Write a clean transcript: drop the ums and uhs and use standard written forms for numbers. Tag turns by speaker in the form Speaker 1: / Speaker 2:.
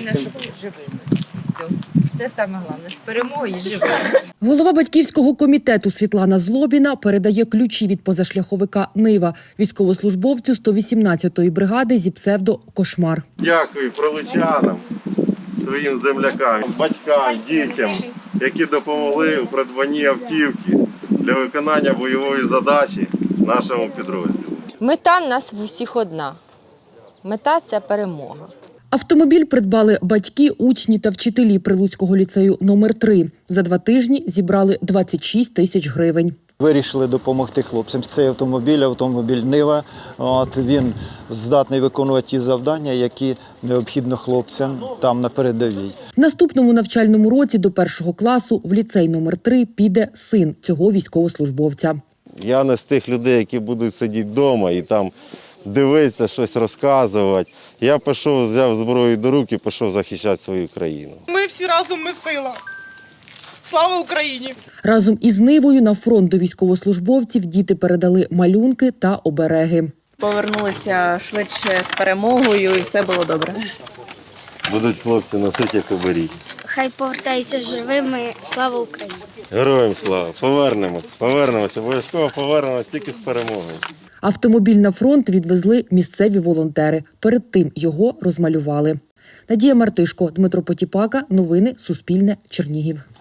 Speaker 1: Головне, щоб живими. Все. Це саме головне. З перемогою і живими.
Speaker 2: Голова батьківського комітету Світлана Злобіна передає ключі від позашляховика «Нива» військовослужбовцю 118-ї бригади зі псевдо «Кошмар».
Speaker 3: Дякую прилучанам, своїм землякам, батькам, дітям, які допомогли у придбанні автівки для виконання бойової задачі нашому підрозділу.
Speaker 4: Мета в нас в усіх одна. Мета – це перемога.
Speaker 2: Автомобіль придбали батьки, учні та вчителі Прилуцького ліцею номер 3. За 2 тижні зібрали 26 тисяч гривень.
Speaker 5: Вирішили допомогти хлопцям. Цей автомобіль «Нива». Він здатний виконувати ті завдання, які необхідно хлопцям там на передовій.
Speaker 2: В наступному навчальному році до 1 класу в ліцей номер 3 піде син цього військовослужбовця.
Speaker 3: Я не з тих людей, які будуть сидіти вдома і там дивитися, щось розказувати. Я пішов, взяв зброю до рук і пішов захищати свою країну.
Speaker 6: Ми всі разом, ми сила. Слава Україні!
Speaker 2: Разом із «Нивою» на фронт до військовослужбовців діти передали малюнки та обереги.
Speaker 7: Повернулися швидше з перемогою і все було добре.
Speaker 3: Будуть хлопці носити, як оберіг.
Speaker 8: Хай повертаються живими. Слава Україні!
Speaker 3: Героям слава! Повернемося, обов'язково повернемося тільки з перемогою.
Speaker 2: Автомобіль на фронт відвезли місцеві волонтери. Перед тим його розмалювали. Надія Мартишко, Дмитро Потіпака. Новини Суспільне. Чернігів.